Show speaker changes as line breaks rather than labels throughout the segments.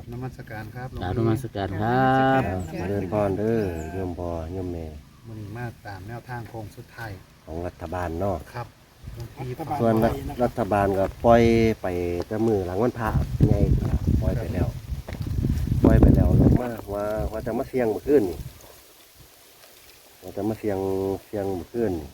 ครับนมัสการครับหลวง
กราบน
พี่
มัสการครับ
มาเดินพรเด้อโยมพ่อโยมแม่
มันนี้มาตามแนวทางโค้งสุดท้าย
ของรัฐบาลเนาะ
ครับหลวงพี่
รัฐบาล
ส่วนรัฐบาลก็ปล่อยไปแต่มือหลังวันพระใหญ่ปล่อยไปแล้วลงมาว่าจะมาเสียงเมื่อคืนนี่ว่าจะมาเสียงเมื่อคืนนี่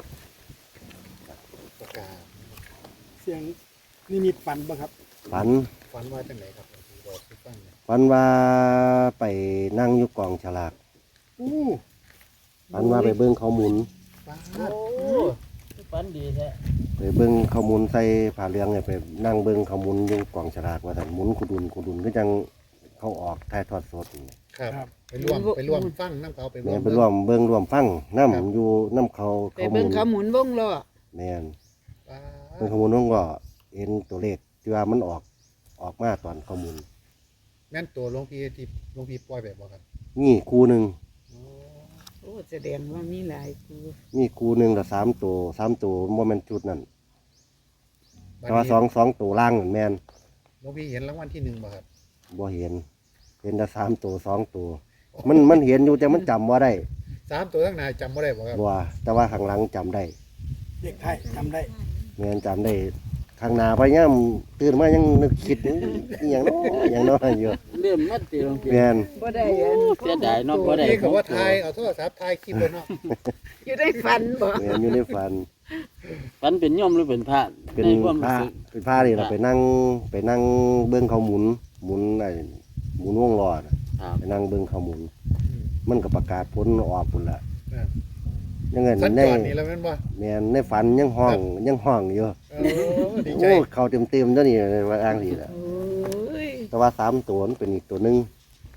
ประกาศ
เสียงนิมิตฝันบ่ครับ
ฝัน
ฝันว่าจังไหนครับหลวงพี่บอกให้ฟังหน่อย
ฝันว่าไปนั่งอยู่กองฉลาก
อู้
ฝันว่าไปเบิ้งเขาหมุน
ป้า
โอ้ฝันดีแท้
ไปเบิ้งเขาหมุนใส่ผ้าเหลืองเนี่ยไปนั่งเบิ้งเขาหมุนอยู่กองฉลากว่าแต่นหมุนกุดุนก็จังเขาออกถ่ายทอดสดนี่
ครับไปร่วมฟังน้ำเขาไป
แม่นไปร่วมเบิ้งร่วมฟังน้ำอยู่น้ำเขา
ไปเบิ่งเขาหมุนวงล้อ
แม่น
ป้า
เบิ้งเขาหมุนน้องก็เห็นตัวเลขที่ว่ามันออกมาตอนเขาหมุน
แม่นตัวหลวงพี่ที่หลวงพี่ปล่อยแบบบอกครับ
นี่คู่หนึ่ง
อ๋อ
โอ้แสดงว่ามีหลายครู
นี่คู่หนึ่งแต่สามตัวโมเมนจุดนั่น
บัด
แต่ว่า
นี้
สองตัวล่างนั่นแม่น
หลวงพี่เห็นรางวัลที่1บ่ครับ
บ่เห็นแต่สามตัวสองตัวมันเห็นอยู่แต่มันจำว่าได้
3ตัวข้างหน้าจำบ่ได้บ่ครับ
บัวแต่ว่าข้างหลังจำได้
เด็กไทยจำได้
แม่นจำได้ข้างหน้าพยายามตื่นมายังนึกคิดอหย่างน้อยอย่างน้อยอยู่
เริ่มมัดตีลงพี่
แม่น
บ่ได้อัน
เสียดายเนาะบ่ได้
พี่ก็ว่าถ่ายเอาโทรศัพท์ถ่ายคลิปไว้เนาะ
อยู่ได้ฝันบ่
แม่นอยู่ในฝัน
ฝันเป็นโยมหรือเป็นพระ
เป็น
ในความ
พ
รู้
ระ
สึก
เป็นพระนี่เราไปนั่งเบิ้งเขาหมุนหมุนวงล้อน่ะ
ครับ
ไปนั่งเบิ้งเขาหมุน
อืม
มันก็ประกาศผลออกพุ่นละ
อ่า
ยังไง
สัญ
ใน
จรนี่แล้วแม่นบ่
แม่นในฝันยังห้องอยู่
โอ้ดีใจ
โอ้เขาเต็มๆเจ้านี่ว่าอ้างสิละ
โอ้ย
แต่ว่า3ตัวมันเป็นอีกตัวหนึง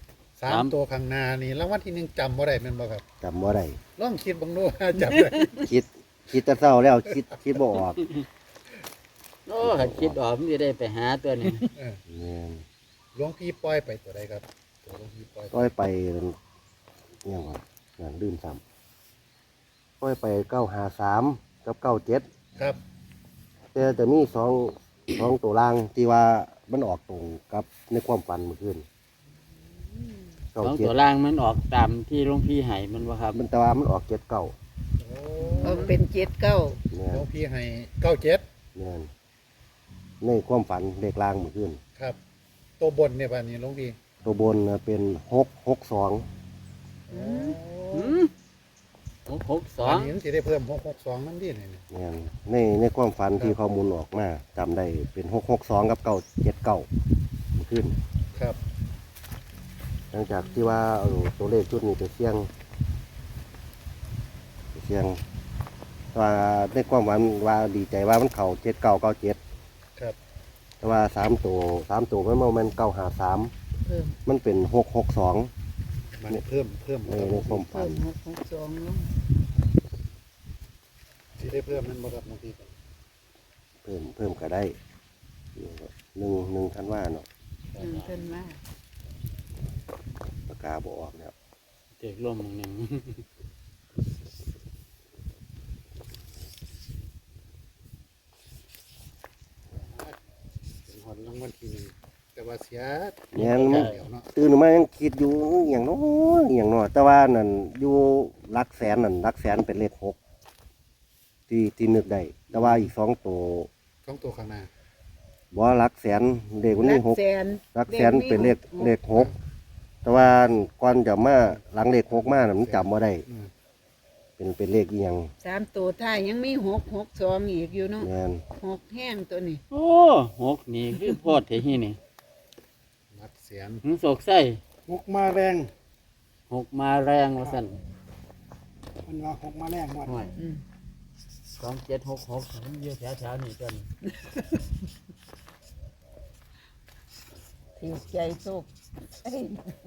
3ตัวข้างหน้านี่รางวัลที่1จำบ่ได้แม่นบ่ครับ
จำบ่ได้
ลองคิดเบังดูว่าจำได้
คิดแต่เศร้าแล้วคิดบ่ออก
โอ้ถ้าคิดออกมันจะได้ไปหาตัวนี้
เออ
แม่น
หลวงพี่ปล่อยไปตัวใดครับตัวหลวงพี่ปล่อย
ก้อยไปยังว่าอย่างลืมซ้ำก้อยไป953กับ97
ครับ
แต่มีสองตัวล่างที่ว่ามันออกตรงกับในความฝันเมื่อคืน
สอง
97
ตัวล่างมันออกตามที่หลวงพี่ให้มันว่าครับ
มันแต่ว่ามันออก79
โอ้
เอาเป็น7 9
แม่
หล
น
วงพี่ให้97
แม่นในความฝันเลขล่างเมื่อคืน
ครับ ตัวบนเนี่ยป่ะนี่หลวงพี่
ตัวบนน่ะเป็น662
หืม662
อันนี้มันสิได้เพิ่ม662นั่นดิเนี่ย
เนี่ยในความฝันที่ข้อมูลออกมาจำได้เป็น662กับ979ขึ้น
ครับ
หลังจากที่ว่าเอาตัวเลขชุดนี้ไปเสี่ยงว่าในความหวังว่าดีใจว่ามันเข่า7997
ครับ
แต่ว่า3 ตัวมันบ่แม่น953
เพิ่ม
มันเป็น662
มันเพิ่ม
ในความฝั
เพิ่
น
ม662ลง
สิได้เพิ่มนั่นบ่ครับหลวงพี่
เพิ่มก็ได้1ธันวาเนาะ
เพิ่นมา
ปากกาบ่ออกแล้ว
เด็กร่มหนึ่ง
เป็นหอนรางวัลที่หนึ่งแต่ว่าเสีย
เนี่ย
เดี๋ยวเนาะ
ตื่นมายังคิดอยู่อย่างน้อยอย่างน้อยแต่ว่านั่นอยู่หลักแสนเป็นเลข6ที่นึกได้แต่ว่าอีก2ตัว
ของตัวข้างหน้า
บ่หลักแสนเลขวัน
หลั
นี้
กแสน
6หลักแสนเป็นเลข6แต่ว่าก่อนจะมาหลังเลข6มาน่ะมันจำบ่ได้
อืม
เป็นเลขอีหยัง
3ตัวท้ายยังมี662อีกอยู่เนาะ
แม่น
6แห้งตัวนี้
โอ้6นี่คือโพดเทฮีนี่
หลักเสียน
หึโศกไส้
หกมาแรง
6มาแรงว่าซั่น
มันว่าหกมาแรงหมด
ห่วย
อืม
2766มันอยู่แถวๆนี่ตัวนี้
ถือใจโชคเอ้ย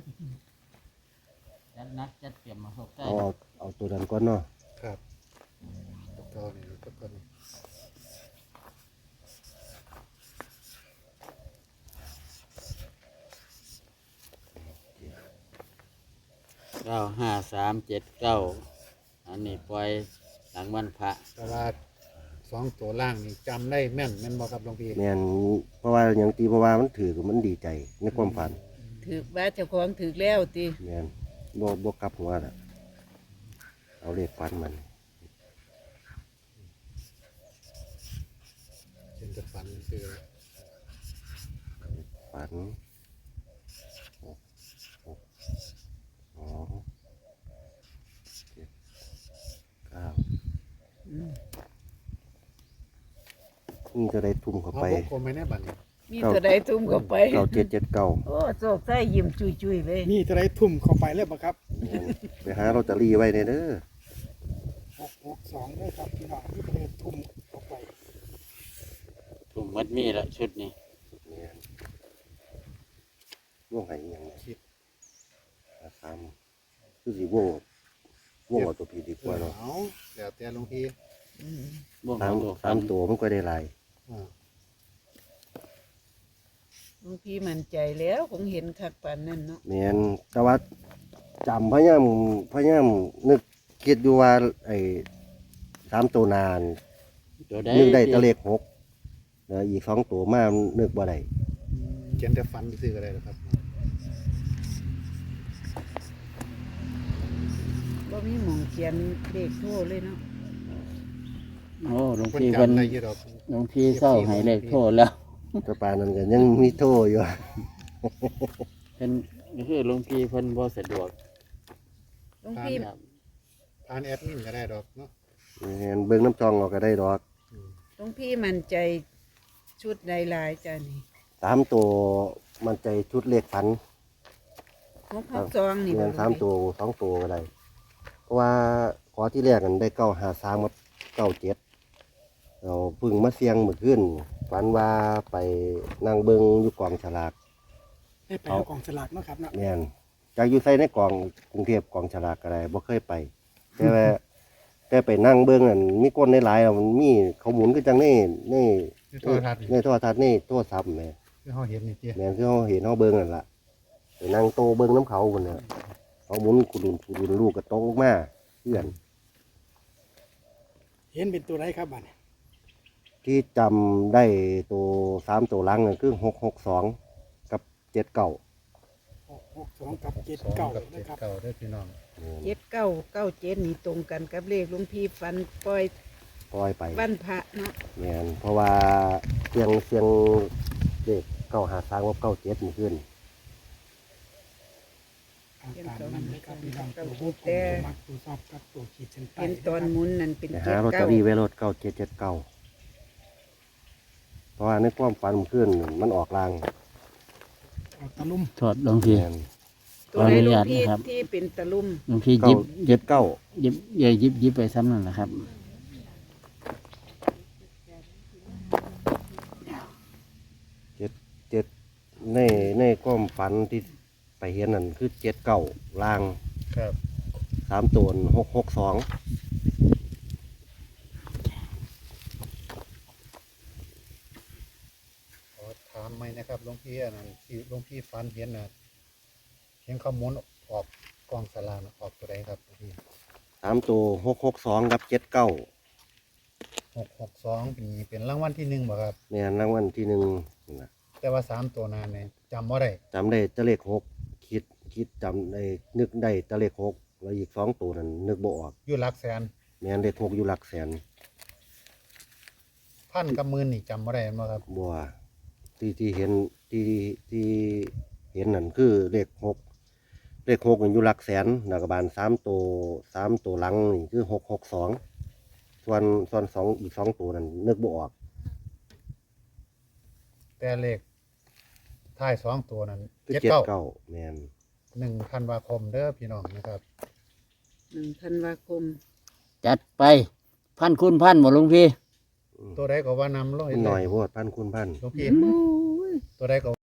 จัดนักจัดเตรียมมาโศกไส้
เอาตัวนั้นก่อนเนาะ
ครับตัวนี้ตัวนี้
95379อันนี้ปล่อยหลังวันพระ
แต่ว่า2ตัวล่างนี่จำได้แม่นบ่ครับหลวงพี่
แม่นเพราะว่าอย่างที่เพราะว่ามันถือมันดีใจในความฝัน
อ
ถือว่าเจ้าของถือแล้วติ
แม่นบ่กลับหัวน่ะเอาเลขฝันมัน
เป็นจะฝันคือ
ฝัน6 2 7 9
อืม
นี่จะได้ทุ่มเข้า
เอา
ไป
วงกลมไว้ในบัตรนี่
มีตัวใดทุ่มเข้าไป
9779
โอ้โศกใส่ยิ้มจุยๆเลย
นี่จะได้ทุ่มเข้าไปเลยบ่ครับ
ไปหาลอตเตอรี่ไว้เด้อ
662ด้วยครับพี่น้องนี่จะได้ทุ่มเข้าไป
ถุงมัดมีละชุดนี้
เนี่ยว่วงไหอีหยังเนี่ย
คิด
ซ้ำคือสิว่วงเอาตัวพีดีกว่าเนาะ
เอาแล้วแต่หลวงพี่
อืม
บ่ง
สา
เอา
ม
ตัว
สามตัวมันก็ได้หลาย
อ่า
หลวงพี่มั่นใจแล้วคงเห็นคักปานนั้นเนาะ
แม่นแต่ว่าจำพยายามนึกคิดอยู่ว่าไอ้3ตัวนาน
ตัวใด
นึกได้แตะเลข6แล้วอีก2ตัวมานึกบ่ได้
เขียนแต่ฝันซื้อก็ได้หรอครับ
บ่มีหมองเขียนเลขโทรเลยเนาะ
โอ้หลวง
คน
พี่เพิ่น
จำได้อยี่ดอก
หลวงพี่เศร้าให้เลขโทษแล้ว
แตะปานนั้นก็ยังมีโทอยู่
เพิ่นก็คือหลวงพี่เพิ่นบ่สะดวก
หลวงพี่
ครับ
ผ่านแอดมินก็ได้ดอกเนาะ
แม่นเบิ่งน้ำจองเอาก็ได้ดอก
หลวงพี่มั่นใจชุดใดหลายจ้านี่
3ตัวมันใจชุดเลขฝัน
662นี่
เงิน3ตัว2ตัวก็ได้เพราะว่าขอที่แรกกันได้953กับ97เราเพึ่งมาเสี่ยงเมื่อคืนฝันว่าไปนั่งเบิ่งอยู่กองฉลาก
ให้ไปเอากองสลากเนาะครับเนาะ
แม่นจากอยู่ใส่ในกองกรุงเทพกองฉลากก็ได้บ่เคยไป แต่ว่าแต่ไปนั่งเบิ่งนั่นมีคนหลายๆอะมันมีเขาหมุนคือจังใน
ในโทรทัศน์
ในโทรทัศน์ในโทรศัพท์แหม่
ที่เขาเห็นนี่เจ้
แม่นคือเฮาเห็นเฮาเบิ่งนั่นล่ะไปนั่งโตเบิ่งน้ำเขาพุ่นน่ะเขาหมุนกุดุนลูกก็ตกลงมาเพื่อน
เห็นเป็นตัวไรครับบัดนี้
ที่จำได้ตัว3ตัวหลังนั่นคือ662กับ79
662กับ
กับ
79นะครับ
เก่าด้วยพี่น้อง
7997นี่ตรงกันกับเลขหลวงพี่ฟันปล่อย
ปล่อยไป
วันพระเนาะ
แม่นเพราะว่าเสียงเด็ก953กับ97นี่ขึ้น
เอาตามนั้นเลยครับพี่น้องตัวผู้ผมมักตัวชอบกับตัวขีดเส้นใต้
เป็นตอนหมุนนั่นเป็น
ไปหาลอตเตอรี่ไว้รถ9779เพราะว่าในความฝันมันขึ้นมันออกลาง
เอาตะลุ่ม
โทษหลวงพี่
แม่น
ตัวใดหลวงพี่
ขออนุญาตนะครับ
ที่เป็นตะลุ่ม
หลวงพี่หยิบ
79
หยิบไปซ้ำนั่นแหละครับ
7ในความฝันที่ไปเห็นนั่นคือ79ลาง
ครับ
3ตัว662
ขอถามไหมนะครับหลวงพี่อันนั้นที่หลวงพี่ฝันเห็นนะเห็นข้อมูลออกกองสลากน่ะออกตัวใดครับหลวงพี่
3ตัว662กับ79
662เป็นรางวัลที่หนึ่งบ่ครับ
แม่นรางวัลที่1นั่นน่ะ
แต่ว่า3ตัวนานเนี่ยจำว่าได้
จำได้แตะเลข6คิดจำได้นึกได้แตะเลข6แล้วอีก2ตัวนั้นนึกบ่ออก
อยู่หลักแสน
แม่นเลข6อยู่หลักแสน
พันกับหมื่นนี่จำว่าได้บ่ครับ
บัวที่เห็นที่เห็นนั่นคือเลข6นี่อยู่หลักแสนแล้วก็บาน3ตัวหลังนี่คือ662ส่วน2อีก2ตัวนั้นนึกบ่ออก
แต่เลขท้าย2ตัวนั้น
คือ
79
79แม่น
1ธันวาคมเด้อพี่น้องนะครับ
1ธันวาคม
จัดไปพันคุณพันบ่หลวงพี่
ตัวใดก็ว่านำลง
หน่อยโพดพันคุณพัน
หลวงพี่ตัวใดก็